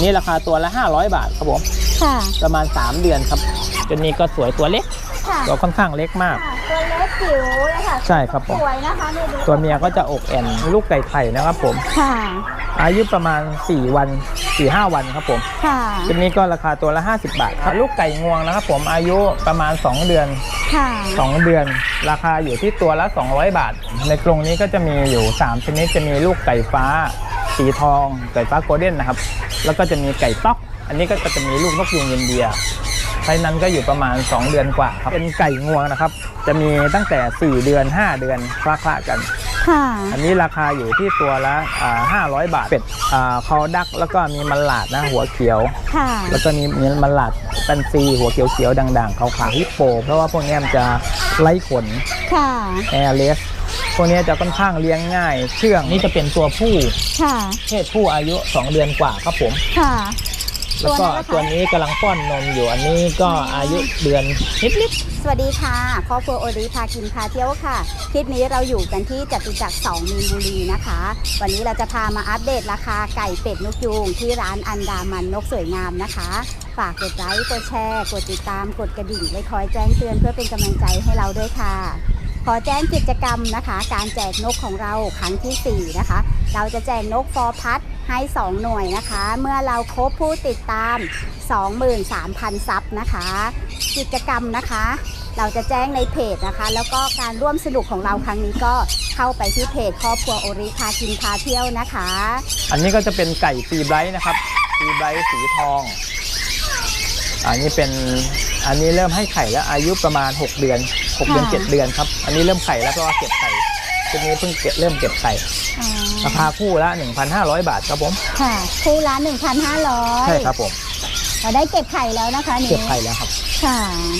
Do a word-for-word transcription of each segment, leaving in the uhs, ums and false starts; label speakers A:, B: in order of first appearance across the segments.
A: นี้ราคาตัวละห้าร้อยบาทครับผมค่ะประมาณสามเดือนครับตัวนี้ก็สวยตัวเล็กตัวค่อนข้างเล็กมาก
B: ตัวเล็กจิ๋วเลยค่ะ
A: ใช่ครับผม
B: สวยนะคะ
A: ตัวเมียก็จะอกแอนลูกไก่ไข่นะครับผมค่ะอายุประมาณสี่วัน สี่ห้า วันครับผมค่ะตัวนี้ก็ราคาตัวละห้าสิบบาทครับลูกไก่งวงนะครับผมอายุประมาณสองเดือนค่ะสองเดือนราคาอยู่ที่ตัวละสองร้อยบาทในกรงนี้ก็จะมีอยู่สามชนิดจะมีลูกไก่ฟ้าสีทองไก่ฟ้าโกลเด้นนะครับแล้วก็จะมีไก่ต๊อกอันนี้ก็จะมีลูกนกยูงอินเดียไซส์นั้นก็อยู่ประมาณสองเดือนกว่าครับเป็นไก่งวงนะครับจะมีตั้งแต่สี่เดือนห้าเดือนคละๆกันค่ะอันนี้ราคาอยู่ที่ตัวละห้าร้อยบาทเป็ดคอดักแล้วก็มีมันหลาดนะหัวเขียวค่ะแล้วก็มีมีมันหลาดตันซีหัวเขียวๆด่างๆขาวๆฮิปโปเพราะว่าพวกนี้มันจะไร้ขนค่ะแอร์เลสพวกนี้จะค่อนข้างเลี้ยงง่ายเชื่องนี่จะเป็นตัวผู้ค่ะเพศผู้อายุสองเดือนกว่าครับผมค่ะแล้วก็ตัวนี้กำลังป้อนนมอยู่อันนี้ก็อายุเดือนนิดๆ
B: สวัสดีค่ะครอบครัวโอริพากินพาเที่ยวค่ะคลิปนี้เราอยู่กันที่จตุจักรสองมีนบุรีนะคะวันนี้เราจะพามาอัปเดตราคาไก่เป็ดนกยูงที่ร้านอันดามันนกสวยงามนะคะฝากกดไลค์กดแชร์กดติดตามกดกระดิ่งไว้คอยแจ้งเตือนเพื่อเป็นกำลังใจให้เราด้วยค่ะขอแจ้งกิจกรรมนะคะการแจกนกของเราครั้งที่สี่นะคะเราจะแจกนกฟอร์พัดให้สองหน่วยนะคะเมื่อเราครบผู้ติดตาม สองหมื่นสามพัน ซับนะคะกิจกรรมนะคะเราจะแจ้งในเพจนะคะแล้วก็การร่วมสนุกของเราครั้งนี้ก็เข้าไปที่เพจครอบครัวโอริพากินพาเที่ยวนะคะ
A: อันนี้ก็จะเป็นไก่ฟรีไบรท์นะครับฟรีไบรท์สีทองอันนี้เป็นอันนี้เริ่มให้ไข่แล้วอายุประมาณหกเดือนหกเดือนเจ็ดเดือนครับอันนี้เริ่มไข่แล้วเพราะว่าเก็บไข่ตัวนี้เพิ่งเก็บเริ่มเก็บไข่ราคาคู่ละ หนึ่งพันห้าร้อย บาทครับผม
B: ค่ะคู่ละ หนึ่งพันห้าร้อย
A: ใช่ครับผม
B: เราได้เก็บไข่แล้วนะคะนี่
A: เก็บไข่แล้วครับค่ะ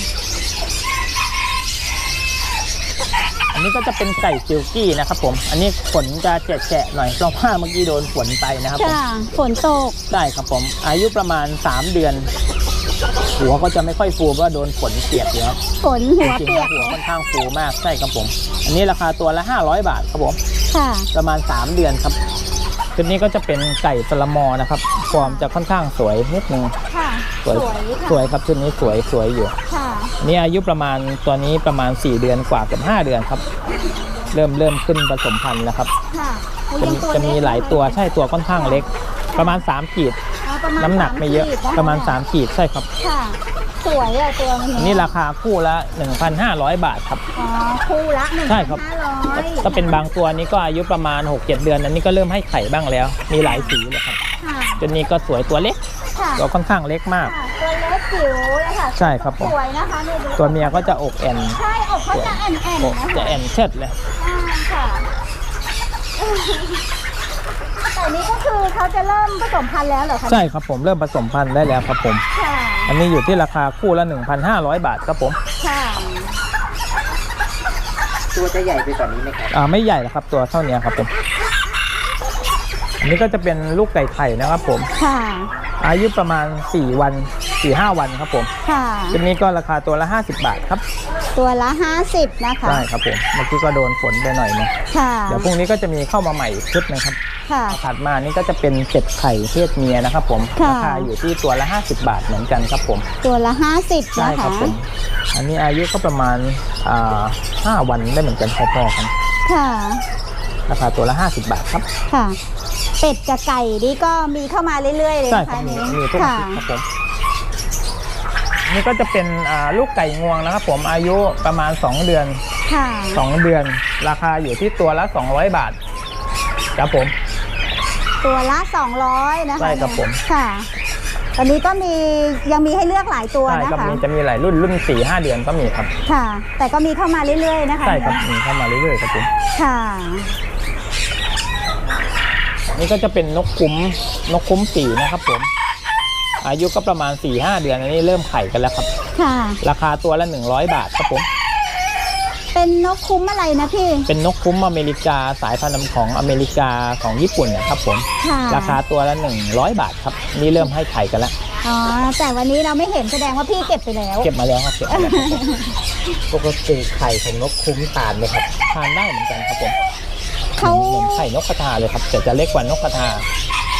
A: อันนี้ก็จะเป็นไก่ซิลกี้นะครับผมอันนี้ขนจะแฉะๆหน่อยเพราะว่าเมื่อกี้โดนฝนไปนะครับผม
B: ฝนตก
A: ใช่ครับผมอายุประมาณสามเดือนหัวก็จะไม่ค่อยฟูเพราะโดนฝนเปียกเยอะ
B: ฝนหัวเปียก
A: หัวค่อนข้างฟูมากใช่ครับผมอันนี้ราคาตัวละห้าร้อยบาทครับผมค่ะประมาณสามเดือนครับชุดนี้ก็จะเป็นไก่สลัมมอนะครับฟอร์มจะค่อนข้างสวยนิดนึงค่ะสวยสวยครับชุดนี้สวยสวยอยู่ค่ะนี่อายุประมาณตัวนี้ประมาณสี่เดือนกว่ากับห้าเดือนครับเริ่มเริ่มขึ้นผสมพันธุ์แล้วครับค่ะจะมีจะมีหลายตัวใช่ตัวค่อนข้างเล็กประมาณสามขีดน้ำหนักไม่เยอะประมาณสามขีดใช่ครับค่ะ
B: สวยอะตัวนี้
A: นี่ราคาคู่ละ หนึ่งพันห้าร้อย บาทครับ
B: อ๋อคู่ละหนึ่งพันห้าร้อย
A: ถ้าเป็นบางตัวนี้ก็อายุประมาณ หกเจ็ด เดือนอันนี้ก็เริ่มให้ไข่บ้างแล้วมีหลายสีเลยครับตัวนี้ก็สวยตัวเล็กตัวค่อนข้างเล็กมาก
B: ตัวเล็กจิ๋วเลยค่ะ
A: ใช่ครับผม
B: สวยนะคะ
A: ตัวเมียก็จะอกแอน
B: ใช่อกเขาจะแอนแอน
A: จะแอนเชิดเลย
B: ค่ะแต่นี้ก็คือเขาจะเริ่มผสมพันธุ์แล้วเหรอคะ
A: ใช่ครับผมเริ่มผสมพันธุ์ได้แล้วครับผมอันนี้อยู่ที่ราคาคู่ละ หนึ่งพันห้าร้อย บาทครับผมค่ะ
C: ตัวจะใหญ่ไปกว่านี้ไหมครับ
A: อ่าไม่ใหญ่หรอกครับตัวเท่านี้ครับผมอันนี้ก็จะเป็นลูกไก่ไข่นะครับผมค่ะอายุประมาณสี่วัน สี่ห้า วันครับผมค่ะชุดนี้ก็ราคาตัวละห้าสิบบาทครับ
B: ตัวละห้าสิบนะคะ
A: ใช่ครับผมเมื่อกี้ก็โดนฝนไปหน่อยนึงค่ะเดี๋ยวพรุ่งนี้ก็จะมีเข้ามาใหม่ชุดนึงครับค่ะถัดมานี่ก็จะเป็นเป็ดไข่เพศเมียนะครับผมราคาอยู่ที่ตัวละห้าสิบบาทเหมือนกันครับผม
B: ตัวละห้าสิบ
A: ใช่ครับผมอันนี้อายุก็ประมาณอ่าห้าวันได้เหมือนกันพอๆกันค่ะราคาตัวละห้าสิบบาทครับ
B: ค่ะเป็ดกับไก่นี่ก็มีเข้ามาเรื่อยๆเลย
A: นะคะนี้มีทุกอาทิตย์ครับผมนี่ก็จะเป็นลูกไก่งวงนะครับผมอายุประมาณสองเดือนค่ะสองเดือนราคาอยู่ที่ตัวละสองร้อยบาทครับผม
B: ตัวละสองร้อยนะคะ
A: ใช่ครับผม
B: ค่ะตอนนี้ก็มียังมีให้เลือกหลายตัวนะคะ
A: ใช่ครับจะมีหลายรุ่นรุ่นสี่ห้าเดือนก็มีครับ
B: ค่ะแต่ก็มีเข้ามาเรื่อยๆนะคะ
A: ใช่ครับมีเข้ามาเรื่อยๆครับผมค่ะนี่ก็จะเป็นนกคุ้มนกคุ้มสีนะครับผมอายุก็ประมาณ สี่ห้า เดือนอันนี้เริ่มไข่กันแล้วครับค่ะราคาตัวละหนึ่งร้อยบาทครับผม
B: เป็นนกคุ้มอะไรนะพี่
A: เป็นนกคุ้มอเมริกาสายพันธุ์ของอเมริกาของญี่ปุ่นนะครับผมราคาตัวละหนึ่งร้อยบาทครับนี่เริ่มให้ไข่กันแล้ว
B: อ๋อแต่วันนี้เราไม่เห็นแสดงว่าพี่เก็บไปแล้ว
A: เก็บมาแล้วครับเก็บมาแล้ว
C: ปกติไข่ของนกคุ้มทานไหมครับ
A: ทานได้เหมือนกันครับผมเขาเหมือนไข่นกกระทาเลยครับแต่จะเล็กกว่านกกระทา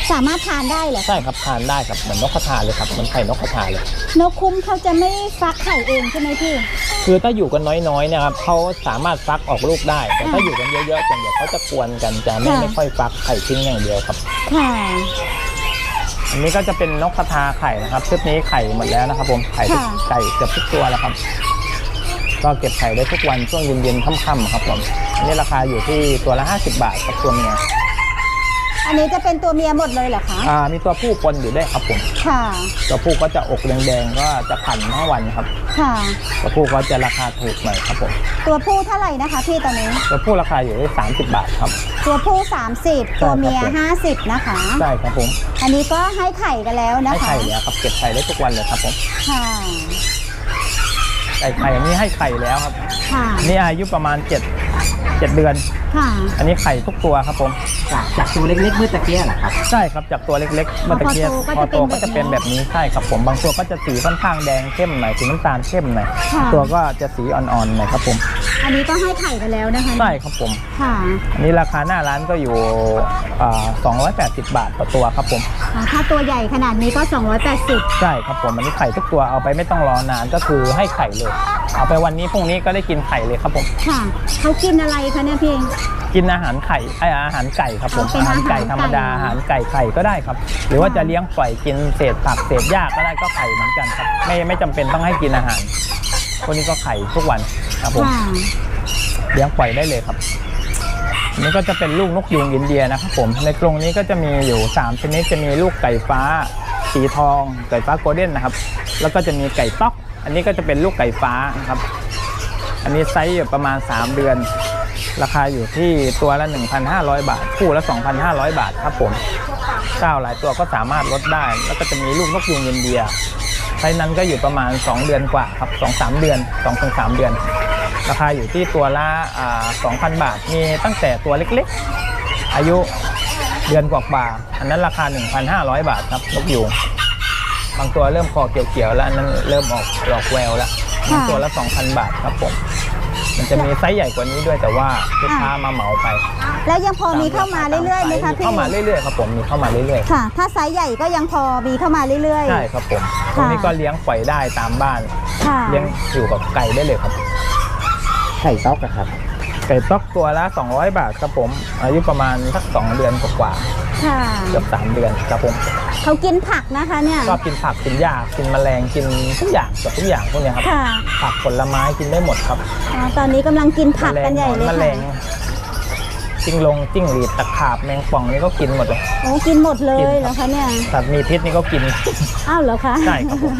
B: สามารถทานได้เหรอ
A: ใช่ครับทานได้ครับเหมือนนกกระทาเลยครับเหมือนไข่นกกระทาเลย
B: นกคุ้มเขาจะไม่ฟักไข่เองใช่ไหมพี่
A: คือถ้าอยู่กันน้อยๆเนี่ยครับเขาสามารถฟักออกลูกได้แต่ถ้าอยู่กันเยอะๆจนเดี๋ยวเขาจะกวนกันจะไม่ไม่ค่อยฟักไข่ทิ้งอย่างเดียวครับ
B: ค่ะ
A: อันนี้ก็จะเป็นนกกระทาไข่นะครับชุดนี้ไข่หมดแล้วนะครับผมไข่ทุกไก่เกือบทุกตัวแล้วครับก็เก็บไข่ได้ทุกวันช่วงเย็นๆค่ำๆครับผมอันนี้ราคาอยู่ที่ตัวละห้าสิบบาทครับตัวเมีย
B: อันนี้จะเป็นตัวเมียหมดเลยเหรอคะ
A: อ่ามีตัวผู้ปนอยู่ด้วยครับผม
B: ค่ะ
A: ตัวผู้ก็จะอกแดงๆก็จะพันทั้งวันครับ
B: ค่ะ
A: ตัวผู้ก็จะราคาถูกหน่อยครับผม
B: ตัวผู้เท่าไหร่นะคะพี่ตอนนี้
A: ตัวผู้ราคาอยู่ที่สามสิบบาทครับ
B: ตัวผู้สามสิบ
A: ใช่ครับ
B: ตัวเมียห้าสิบนะคะ
A: ใช่ครับผม
B: อันนี้ก็ให้ไข่กันแล้วนะ
A: ให้
B: คะ
A: ไข่แล้วครับเก็บไข่ได้ทุกวันเลยครับผม
B: ค่ะ
A: ไก่ไข่อันนี้ให้ไข่แล้วครับ
B: ค่ะ
A: นี่อายุประมาณเจ็ดเจ็ดเดือน
B: ค่ะ
A: อันนี้ไข่ทุกตัวครับผม
C: จากจากตัวเล็กๆเมื่อตะเกียเหรอครับ
A: ใช่ครับจากตัวเล็กๆเมื่อตะเกียบพอโตก็จะเป็นแบบนี้ใช่ครับผมบางตัวก็จะสีค่อนข้างแดงเข้มหน่อยสีน้ำตาลเข้มหน่อย
B: ค่ะ
A: ตัวก็จะสีอ่อนๆหน่อยครับผม
B: อันนี้ก็ให้ไข่กันแล้วนะคะ
A: ใช่ครับผม
B: ค่ะ
A: อันนี้ราคาหน้าร้านก็อยู่อ่าสองร้อยแปดสิบบาทต่อตัวครับผม
B: อ่าถ้าตัวใหญ่ขนาดนี้ก็สองร้อยแปดสิบ
A: ใช่ครับผมอันนี้ไข่ทุกตัวเอาไปไม่ต้องรอนานก็คือให้ไข่เลยเอาไปวันนี้พรุ่งนี้ก็ได้กินไข่เลยครับผม
B: ค่ะเขากินอะไรคะเนี่ยพี่
A: กินอาหารไข่ไออาหารไก่ครับผม
B: อ๋อเป็น
A: อาหารไก่
B: อาหารไก่
A: ธรรมดาอาหารไก่ไข่ก็ได้ครับ หรือว่าจะเลี้ยงปล่อยกินเศษผักเศษหญ้าก็ได้ก็ไข่เหมือนกันครับไม่ไม่จำเป็นต้องให้กินอาหารพวกนี้ก็ไข่ทุกวันครับผม
B: ค่ะ
A: เลี้ยงปล่อยได้เลยครับอันนี้ก็จะเป็นลูกนกยูงอินเดียนะครับผมในกรงนี้ก็จะมีอยู่สามชนิดจะมีลูกไก่ฟ้าสีทองไก่ฟ้าโกลเด้นนะครับแล้วก็จะมีไก่ต๊อกอันนี้ก็จะเป็นลูกไก่ฟ้านะครับอันนี้ไซส์อยู่ประมาณสามเดือนราคาอยู่ที่ตัวละ หนึ่งพันห้าร้อย บาทคู่ละ สองพันห้าร้อย บาทครับผมเจ้าหลายตัวก็สามารถลดได้แล้วก็จะมีลูกนกยูงอินเดียไซส์นั้นก็อยู่ประมาณสองเดือนกว่าครับ สองถึงสาม เดือน สองถึงสาม เดือนราคาอยู่ที่ตัวละอ่า สองพัน บาทมีตั้งแต่ตัวเล็กๆอายุเดือนกว่าๆอันนั้นราคา หนึ่งพันห้าร้อย บาทครับนกยูงบางตัวเริ่มคอเกี่ยวๆแล้วอันนั้นเริ่มออกดอกแววแล้วตัวละ สองพัน บาทครับผมมันจะมีไซส์ใหญ่กว่านี้ด้วยแต่ว่าลูกค้ามาเหมาไป
B: แล้วยังพอมีเข้ามาเรื่อยๆไหมคะพี่
A: เข้ามาเรื่อยๆครับผมมีเข้ามาเรื่อย
B: ค่ะ ถ้าไซส์ใหญ่ก็ยังพอมีเข้ามาเรื่อย
A: ๆใช่ครับผมตรงนี้ก็เลี้ยงปล่อยได้ตามบ้าน
B: ๆ ค่ะ
A: เลี้ยงอยู่กับไก่ได้เลยครับ
C: ไข่ต๊อกอะครับ
A: ไก่ต๊อกตัวละสองร้อยบาทครับผมอายุประมาณสักสองเดือนกว่า
B: ค่ะ
A: ๆเกือบสามเดือนครับผม
B: เขากินผักนะคะเนี่ย
A: ชอบกินผักกินหญ้ากินแมลงกินทุกอย่างเกือบทุกอย่างพวกเนี้ยครับ
B: ค่ะ
A: ผักผลไม้กินได้หมดครับ
B: อ๋อตอนนี้กำลังกินผักกันใหญ่เลย
A: แมล
B: ค่ะ
A: งจิ้งลงจิ้งหรีดตะขาบแมงป่องนี่ก็กินหมดเลย
B: โอ้กินหมดเล
A: กิ
B: ย
A: นครับ
B: เหรอคะเนี่ย
A: สัตว์มีพิษนี่ก็กิน
B: อ้าวเหรอคะ
A: ใช่ครับผม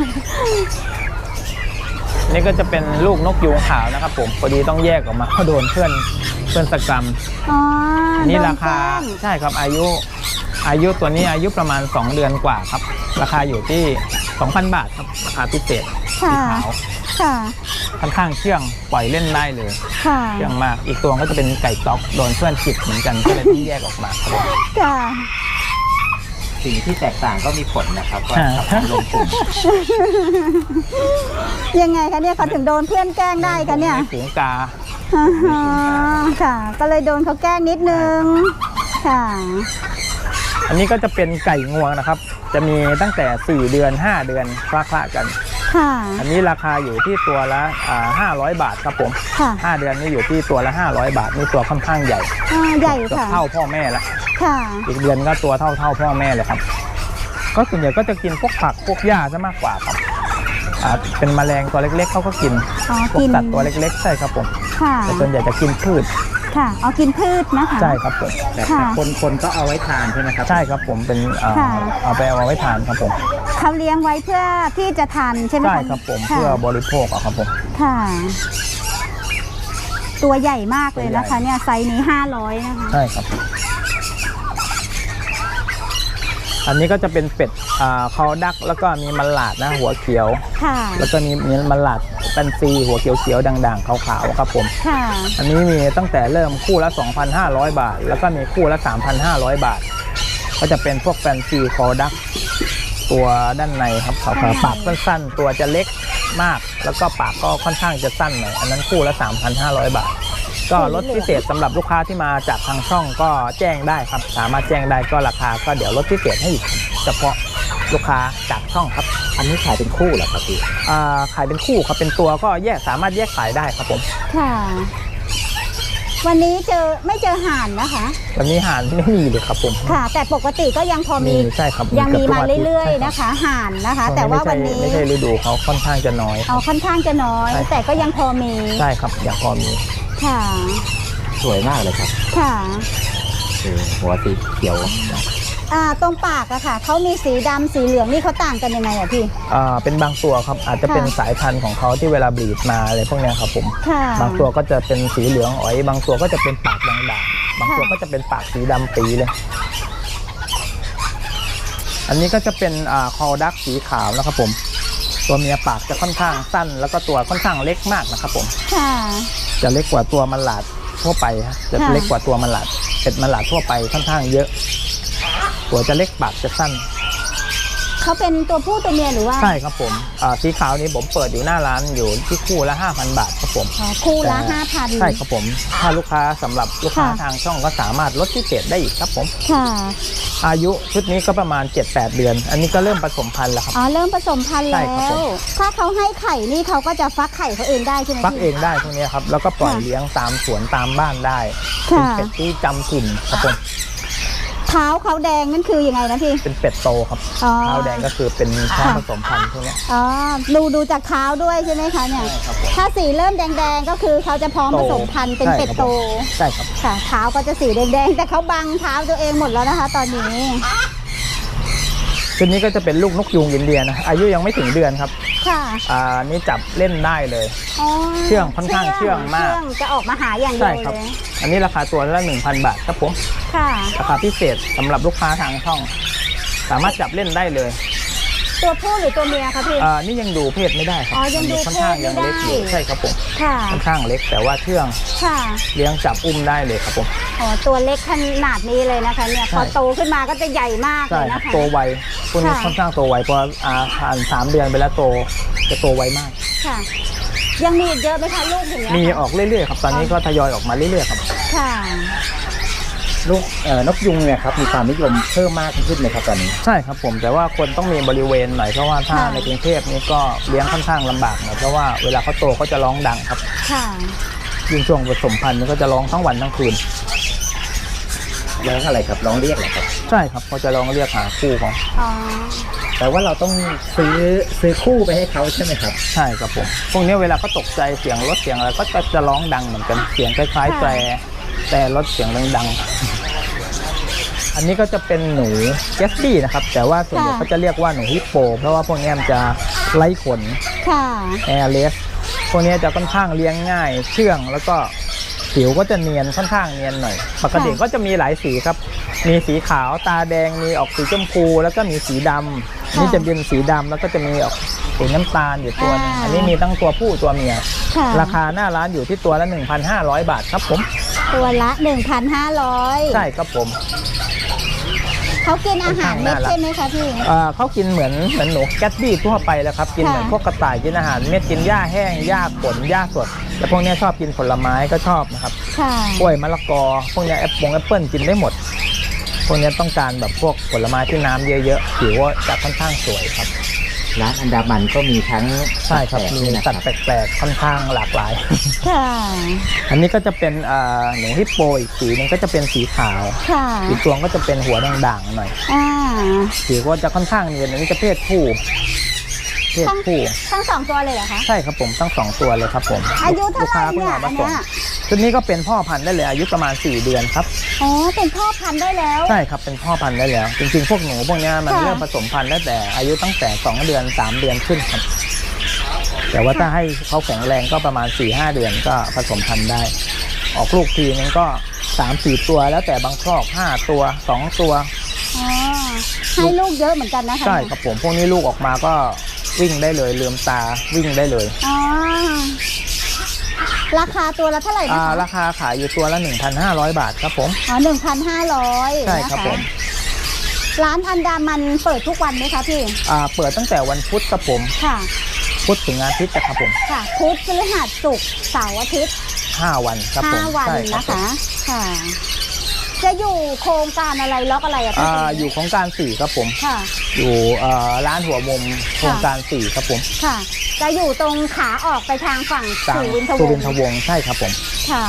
A: นี่ก็จะเป็นลูกนกยูงขาวนะครับผมพอดีต้องแยกออกมาเพราะโดนเพื่อนเพื่อนสกรรม
B: อ๋อ
A: อันนี้
B: โด
A: ราคา
B: แกล้ง
A: ใช่ครับอายุอายุตัวนี้อายุประมาณสองเดือนกว่าครับราคาอยู่ที่ สองพัน บาทครับราคาพิเศษสี
B: ค่ะ
A: ขาว
B: ค่ะ
A: ค่อนข้างเชื่องปล่อยเล่นได้เลย
B: ค่ะ
A: เชื่องมากอีกตัวก็จะเป็นไก่ต๊อกโดนเพื่อนจิกเหมือนกันก็เลยต้องแยกออกมาครับผม
B: ค่ะ
C: สิ่งที่แตกต่างก็มีผลนะครับว่าทำรวมกลุ่ม
B: ยังไงคะเนี่ยเขาถึงโดนเพื่อนแกล้งได้คะเนี่ย
A: มีฝูงกา
B: อ๋อค่ะ ก็เลยโดนเขาแกล้งนิดนึง ค่ะ
A: อันนี้ก็จะเป็นไก่งวงนะครับ จะมีตั้งแต่สี่เดือนห้าเดือนคละคละกัน
B: ค่ะ
A: อันนี้ราคาอยู่ที่ตัวละอ่าห้าร้อยบาทครับผม
B: ค่ะ
A: ห้าเดือนนี่อยู่ที่ตัวละห้าร้อยบาทนี่ตัวค่อนข้างใหญ่
B: อ่าใหญ่
A: เกือบ
B: ค่ะ
A: เท่าพ่อแม่ละ
B: ค่ะ
A: อีกเดือนก็ตัวเท่าเท่าพ่อแม่เลยครับ ก็ส่วนใหญ่ก็จะกินพวกผักพวกหญ้าซะมากกว่าครับอ่าเป็นแมลงตัวเล็กๆเขาก็กิน
B: อ๋อ
A: พวก
B: กิน
A: สัตว์ตัวเล็กๆใช่ครับผม
B: ค่ะ
A: แต่ส่วนใหญ่จะกินพืช
B: ค่ะเอากินพืชนะคะ
A: ใช่ครับผม
C: แต่
B: ค่ะ
C: คนคนก็เอาไว้ทานใช่ไหมครับ
A: ใช่ครับผมเป็นอ่า
B: ค่ะ
A: เอาไปเอาไว้ทานครับผม
B: เขาเลี้ยงไว้เพื่อที่จะทานใช่ไหมคะ
A: ใช่ครับผม
B: ค่ะ
A: เพื่อบริโภคอะครับผม
B: ค่ะ ตัวใหญ่มากเลยนะคะ
A: ตัวใหญ่
B: เนี่ยไซส์นี้ห้าร้อยนะคะ
A: ใช่ครับ อันนี้ก็จะเป็นเป็ดอ่าเขาดักแล้วก็มีมันหลาดนะหัวเขียว
B: ค่ะ
A: แล้วก็มีมีมันหลาดเป็นซีหัวเขียวๆด่างๆขาวๆครับผม
B: ค่ะ
A: อันนี้มีตั้งแต่เริ่มคู่ละ สองพันห้าร้อย บาท แล้วก็มีคู่ละ สามพันห้าร้อย บาท ก็จะเป็นพวกแฟนซีคอดักตัวด้านในครับขาวๆปากสั้นๆ ตัวจะเล็กมาก แล้วก็ปากก็ค่อนข้างจะสั้นหน่อย อันนั้นคู่ละ สามพันห้าร้อย บาทก็ลดพิเศษสำหรับลูกค้าที่มาจากทางช่องก็แจ้งได้ครับสามารถแจ้งได้ก็ราคาก็เดี๋ยวลดพิเศษให้อีกเฉพาะลูกค้าจากช่องครับ
C: อันนี้ขายเป็นคู่เหรอครับพี่
A: อ่าขายเป็นคู่ครับเป็นตัวก็แยกสามารถแยกขายได้ครับผม
B: ค่ะวันนี้เจอไม่เจอห่านนะคะ
A: วันนี้ห่านไม่มีเลยครับผม
B: ค่ะ แต่ปกติก็ยังพอมี
A: ใช่ครับ
B: ยังมีมาเรื่อยๆนะคะห่านนะคะ แต่ว่าวันนี้
A: ไม่ใช่ฤดูเขาค่อนข้างจะน้อย
B: เอาค่อนข้างจะน้อย แต่ก็ยังพอมี
A: ใช่ครับยังพอมี
B: ค่ะ
C: สวยมากเลยครับ
B: ค่ะ
C: คือหัวสีเขียว
B: อ่าตรงปากอะค่ะเขามีสีดำสีเหลืองนี่เขาต่างกันยังไงอะพี่
A: อ่าเป็นบางตัวครับอาจจะเป็น
B: ค่ะ
A: สายพันธุ์ของเขาที่เวลาบลีดมาอะไรพวกเนี้ยครับผม
B: ค่ะ
A: บางตัวก็จะเป็นสีเหลืองอ๋อยบางตัวก็จะเป็นปากด่างๆบางตัวก็จะเป็นปากสีดำปีเลย อันนี้ก็จะเป็นอ่าคอดักสีขาวนะครับผมตัวเมียปากจะค่อนข้างสั้น แล้วก็ตัวค่อนข้างเล็กมากนะครับผม
B: ค่ะ
A: จะเล็กกว่าตัวมันหลาดทั่วไปครับจะ
B: ค่ะ
A: เล็กกว่าตัวมันหลาดเป็ดมันหลาดทั่วไปค่อนข้างเยอะ ตัวจะเล็กปากจะสั้น
B: เขาเป็นตัวผู้ตัวเมียหรือว่า
A: ใช่ครับผมอ่าสีขาวนี้ผมเปิดอยู่หน้าร้านอยู่ที่คู่ละ ห้าพัน บาทครับผม
B: อ๋อคู่ละ
A: แต่
B: ห้าพัน
A: ใช่ครับผมถ้าลูกค้าสำหรับลูกค้า
B: ค่ะ
A: ทางช่องก็สามารถลดพิเศษได้อีกครับผม
B: ค่ะ
A: อายุชุดนี้ก็ประมาณ เจ็ดแปด เดือน อันนี้ก็เริ่มผสมพันธุ์แล้วครับ
B: อ๋อเริ่มผสมพันธุ์
A: ใช่
B: แล้
A: ครับผ
B: ว
A: ม
B: ถ้าเขาให้ไข่นี่เขาก็จะฟักไข่เขาเองได้ใช่ไหม
A: ฟัก
B: พี่
A: เองได้พวกนี้ครับแล้วก็ปล่อย
B: ค่ะ
A: เลี้ยงตามสวนตามบ้านได้เป็น
B: ค่ะ
A: เป็ดที่จำถิ่นครับผม
B: เท้าเขาแดงนั่นคือยังไงนะพี่
A: เป็นเป็ดโตครับ
B: อ๋อ
A: เท้าแดงก็คือเป็นช้าง
B: ค่ะ
A: ผสมพันธุ์พวกเนี้ย
B: อ๋อดูดูจากเท้าด้วยใช่ไหมคะเนี่ย
A: ใช่ครับผม
B: ถ้าสีเริ่มแดงๆก็คือเขาจะพร้อมผสมพันธุ์เป็น
A: ใช่
B: เป็ด
A: ครับ
B: โต
A: ใช่ครับ
B: ค่ะเท้าก็จะสีแดงๆแต่เขาบังเท้าตัวเองหมดแล้วนะคะ ตอนนี้
A: ชุดนี้ก็จะเป็นลูกนกยูงอินเดียนะอายุยังไม่ถึงเดือนครับ
B: ค่ะ
A: อ่านี่จับเล่นได้เลย
B: อ๋อ
A: เชื่องค่อนข้างเชื่องมาก
B: เชื่องจะออกมาหาอย่างเดี
A: ใช่
B: ยว
A: ครับ
B: เลย
A: อันนี้ราคาตัวละ หนึ่งพัน บาทครับผม
B: ค่ะ
A: ราคาพิเศษสำหรับลูกค้าทางช่อง สามารถจับเล่นได้เลย
B: ตัวผู้หรือตัวเมียคะพี่
A: อ่านี่ยังดูเพศไม่ได้ครับ
B: อ๋อยังดู
A: ค่อนข้าง
B: เพศไม่
A: ยังเล็กอยู่
B: ได้
A: ใช่ครับผม
B: ค่ะ
A: ค่อนข้างเล็กแต่ว่าเชื่อง
B: ค่ะ
A: เลี้ยงจับอุ้มได้เลยครับผม
B: อ๋อตัวเล็กขนาดนี้เลยนะคะเนี่ย
A: ใช่
B: พอโตขึ้นมาก็จะใหญ่มากเล
A: ใช่
B: ย
A: ครับ
B: นะคะ
A: โตไวพวกนี้
B: ค่ะ
A: ค่อนข้างโตไวพออ่าผ่านสามเดือนไปแล้วโตจะโตไวมาก
B: ค่ะ ยังมีอีกเยอะไหมคะลูกอย่างเงี้ย
A: มี
B: ค่ะ
A: ออกเรื่อยๆครับตอนนี้ก็ทยอยออกมาเรื่อยๆครับ
B: ค่ะ
C: ลูกเอ่อนกยุงเนี่ยครับมีความนิยมเพิ่มมากขึ้นเลยครับตอนนี้
A: ใช่ครับผมแต่ว่าคนต้องมีบริเวณหน่อยเพราะว่าถ้า
B: ค่ะ
A: ในกรุงเทพนี่ก็เลี้ยงค่อนข้างลำบากหน่อยเพราะว่าเวลาเขาโตเขาจะร้องดังครับ
B: ค่ะ
A: ยิ่งช่วงผสมพันธุ์นี่ก็จะร้องทั้งวันทั้งคืน
C: ร้องอะไรครับร้องเรียกเหรอครับ
A: ใช่ครับเขาจะร้องเรียกหาคู่ของ
B: อ๋อ
C: แต่ว่าเราต้องซื้อซื้อคู่ไปให้เขาใช่ไหมครับ
A: ใช่ครับผมพวกนี้เวลาเขาตกใจเสียงรถเสียงอะไรก็จะจะร้องดังเหมือนกันเสียงคล้ายๆ
B: ค่ะ
A: แต่แต่รถเสียงดังๆอันนี้ก็จะเป็นหนูแกสบี้นะครับแต่ว่าส่วนใหญ่เขาจะเรียกว่าหนูฮิปโปเพราะว่าพวกนี้มันจะไร้ขน
B: ค่ะ
A: แอร์เลสพวกนี้จะค่อนข้างเลี้ยงง่ายเชื่องแล้วก็ผิวก็จะเนียนค่อนข้างเนียนหน่อยปกติ
B: ค่ะ
A: ก็จะมีหลายสีครับมีสีขาวตาแดงมีออกสีชมพูแล้วก็มีสีดำนี่จะเป็นสีดำแล้วก็จะมีออกสีน้ำตาลอยู่ตัวหนึงอันนี้มีทั้งตัวผู้ตัวเมีย
B: ค่ะ
A: ราคาหน้าร้านอยู่ที่ตัวละ หนึ่งพันห้าร้อย บาทครับผม
B: ตัวละหนึ่งพันห้าร้อย
A: ใช่ครับผม
B: เขากินอาหารเม็ด
A: ค่อนข้างน่ารัก
B: ใช่ไหมคะพี่
A: เอ่อเขากินเหมือนเหมือนหนูแกตบี้ทั่วไปแล้วครับกินเหมือน
B: ค่ะ
A: พวกกระต่ายกินอาหารเม็ดกินหญ้าแห้งหญ้าผลหญ้าสดแล้วพวกนี้ชอบกินผลไม้ก็ชอบนะครับ
B: ค่ะ
A: กล้วยมะละกอพวกนี้แอปเปิลแอปเปิลกินได้หมด พวกนี้ต้องการแบบพวกผลไม้ที่น้ำเยอะๆผิวก็จะค่อนข้างสวยครับ
C: ร้านอันดามันก็มีทั้ง
A: ใช่ครับ
C: แปลกๆ
A: มี
C: ด้วยนะค
A: สั
C: รั
A: ต
C: บ
A: ว์แปลกๆค่อนข้างหลากหลาย
B: ค่ะ
A: อันนี้ก็จะเป็นอ่าหนูฮิปโปอีกสีหนึงก็จะเป็นสีขาว
B: ค่ะ
A: อีกตัวก็จะเป็นหัวด่างๆหน่อย
B: อ่า
A: ผิวก็จะค่อนข้างเนียนอันนี้จะเพศผู้เพศ
B: ทั้ง
A: ผู้
B: ทั้งสองตัวเลยเหรอคะ
A: ใช่ครับผมทั้งสองตัวเลยครับผม
B: อายุเท่าไหร่
A: ลูกค้พิ่ง
B: เนี่ย
A: อามา
B: อัน
A: ส่ง
B: เนี้ย
A: ชุดนี้ก็เป็นพ่อพันธุ์ได้เลยอายุประมาณสี่เดือนครับ
B: อ๋อ เป็นพ่อพันธุ์ได้แล้ว
A: ใช่ครับเป็นพ่อพันธุ์ได้แล้ว จริงๆพวกหนูพวกเนี้ยมัน
B: ค่ะ
A: เริ่มผสมพันธุ์ได้แต่อายุตั้งแต่สองเดือนสามเดือนขึ้นครับแต่ว่าถ้าให้เขาแข็งแรงก็ประมาณ สี่ห้า เดือนก็ผสมพันธุ์ได้ ออกลูกทีนึงก็ สามสี่ ตัวแล้วแต่บางครอบห้าตัวสองตัว
B: อ๋อ ให้ลูกเยอะเหมือนกันนะคะ
A: ใช่ครับผมพวกนี้ลูกออกมาก็วิ่งได้เลยลืมตาวิ่งได้เลย
B: อ๋อ ราคาตัวละเท่าไหร่นะ
A: อ่า
B: คะ
A: ราคาขายอยู่ตัวละ หนึ่งพันห้าร้อย บาทครับผม
B: อ๋อหนึ่งพันห้าร้อย
A: ใช่ครับผม
B: ร้านอันดามันเปิดทุกวันไหมคะพี่
A: อ่าเปิดตั้งแต่วันพุธครับผม
B: ค่ะ
A: พุธถึงอาทิตย์นะครับผม
B: ค่ะพุธพฤหัสศุกร์เสาร์อาทิตย์
A: คห้าวันครับผม
B: ห้าวัน
A: ใช่รับ
B: นะคะค่ะจะอยู่โครงการอะไรล็อกอะไรอะพี่
A: อ่าอยู่โครงการสี่ครับผม
B: ค่ะ
A: อยู่เอ่อร้านหัวมุมโครงการสี่ครับผม
B: ค่ะจะอยู่ตรงขาออกไปทางฝั่ง
A: ทาง
B: สุวินทว
A: สุ
B: ง
A: วิน
B: ศ์
A: ทวงศ์ใช่ครับผม
B: ค่ะ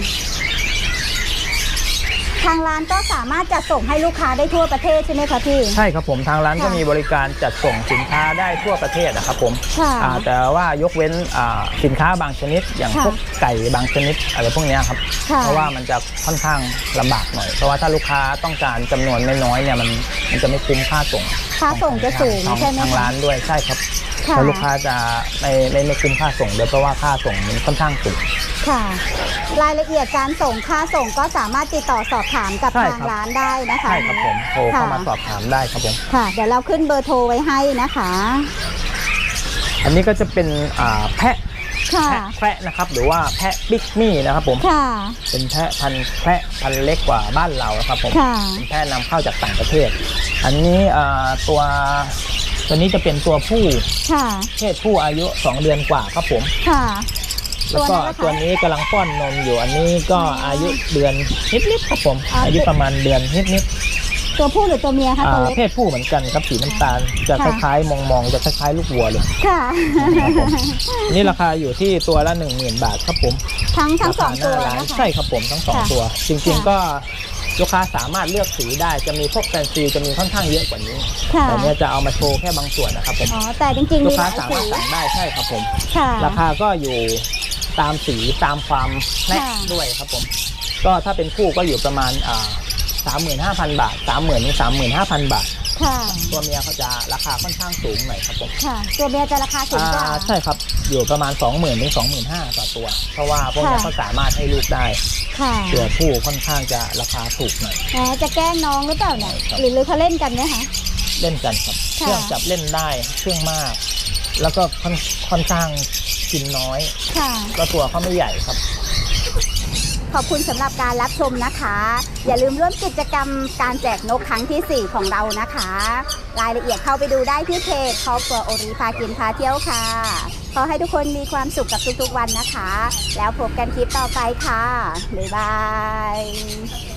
B: ทางร้านก็สามารถจัดส่งให้ลูกค้าได้ทั่วประเทศใช่ไหมคะพี่
A: ใช่ครับผมทางร้าน
B: ค่ะ
A: ก็มีบริการจัดส่งสินค้าได้ทั่วประเทศนะครับผม
B: ค่ะ
A: อ่าแต่ว่ายกเว้นอ่าสินค้าบางชนิด อย่าง
B: ค่ะ
A: พวกไก่บางชนิดอะไรพวกเนี้ยครับ
B: ค่ะ
A: เพราะว่ามันจะค่อนข้างลำบากหน่อยเพราะว่าถ้าลูกค้าต้องการจำนวนไม่น้อยเนี่ยมันมันจะไม่คุ้มค่าส่ง
B: ค่าส่งจะสูง
A: ของ
B: ใช่ไหม
A: ทาง
B: คะ
A: ร้านด้วยใช่ครับ
B: ค่ะ
A: แล้วลูกค้าจะไม่ไม่ไม่คุ้มค่าส่งด้วยเพราะว่าค่าส่งมันค่อนข้างสูง
B: ค่ะ รายละเอียดการส่งค่าส่งก็สามารถติดต่อสอบถามกับ
A: ใช่
B: ทาง
A: ครับ
B: ร้านได้นะคะ
A: ใช่ครับผมโทรเข้ามา
B: ค่ะ
A: สอบถามได้ครับผม
B: ค่ะ เดี๋ยวเราขึ้นเบอร์โทรไว้ให้นะคะ
A: อันนี้ก็จะเป็นอ่าแพะ
B: ค่ะ
A: แพะแพะนะครับหรือว่าแพะบิ๊กมี่นะครับผม
B: ค่ะ
A: เป็นแพะพันธุ์แพะพันธุ์เล็กกว่าบ้านเรานะครับผม
B: ค่ะ
A: เป็นแพะนำเข้าจากต่างประเทศ อันนี้อ่าตัวตัวนี้จะเป็นตัวผู้
B: ค่ะ
A: เพศผู้อายุสองเดือนกว่าครับผม
B: ค่ะ
A: แล้วก็
B: ตั
A: ตัว ว
B: นี้
A: นี้
B: ล่ะคะ
A: กำลังป้อนนมอยู่ อันนี้ก็อายุเดือนนิดๆครับผม
B: อ่า
A: อายุประมาณเดือนนิด
B: ตัวผู้หรือตัวเมีย
A: ๆ
B: คะ
A: อ่า
B: ตัวเล็ก
A: เพศผู้เหมือนกันครับสีน้ำตาลจะค
B: ค่ะ
A: ล้ายๆมองๆจะคล้ายๆลูกวัวเลย
B: ค่ะ
A: ครับผม อันนี้ราคาอยู่ที่ตัวละหนึ่งหมื่นบาทครับผม
B: ทั้งทั้งสอง
A: ราคาห
B: ตัว
A: น้าร้าน
B: นะคะ
A: ใช่ครับผมทั้งสอง
B: ค่ะ
A: ตัว จริง
B: ค่ะ
A: ๆก็ลูกค้าสามารถเลือกสีได้จะมีพวกแฟนซีจะมีค่อนข้างเยอะกว่านี้
B: ค่ะ
A: แต่เนี้ยจะเอามาโชว์แค่บางส่วนนะครับผม
B: อ๋อ แต่จริงๆ
A: ลู
B: มี
A: ก
B: ห
A: ค้า
B: ลาย
A: สา
B: สี
A: มารถสั่งได้ใช่ครับผม
B: ค่ะ
A: ราคาก็อยู่ตามสีตามความแน่
B: ค่ะ
A: ด้วยครับผม ก็ถ้าเป็นคู่ก็อยู่ประมาณอ่าสามหมื่นห้าพันบาทสามหมื่นถึงสามหมื่นห้าพันบาท
B: ค่ะ
A: ตัวเมียเขาจะราคาค่อนข้างสูงหน่อยครับผม
B: ค่ะ ตัวเมียจะราคาสูงกว่า
A: อ่าใช่ครับอยู่ประมาณสองหมื่นถึงสองหมื่นห้าต่อตัว เพราะว่าพวกนี้
B: ค่ะ
A: เขาสามารถให้ลูกได้
B: ค่ะ
A: ตัวผู้ค่อนข้างจะราคาถูกหน่อย
B: แหมจะแกล้งน้องหรือเปล่าเนี่ย
A: ครับ
B: หรือหรือเขาเล่นกันไหมคะ
A: เล่นกันครับเค
B: ค่ะ
A: รื่องจับเล่นได้เครื่องมาก แล้วก็ค่อนค่อนข้างกินน้อย
B: ค่ะ
A: ก็ตัวเขาไม่ใหญ่ครับ
B: ขอบคุณสำหรับการรับชมนะคะ อย่าลืมร่วมกิจกรรมการแจกนกครั้งที่สี่ของเรานะคะ รายละเอียดเข้าไปดูได้ที่เพจครอบครัวโอริพากินพาเที่ยวค่ะ ขอให้ทุกคนมีความสุขกับทุกๆวันนะคะ แล้วพบกันคลิปต่อไปค่ะ บ๊ายบาย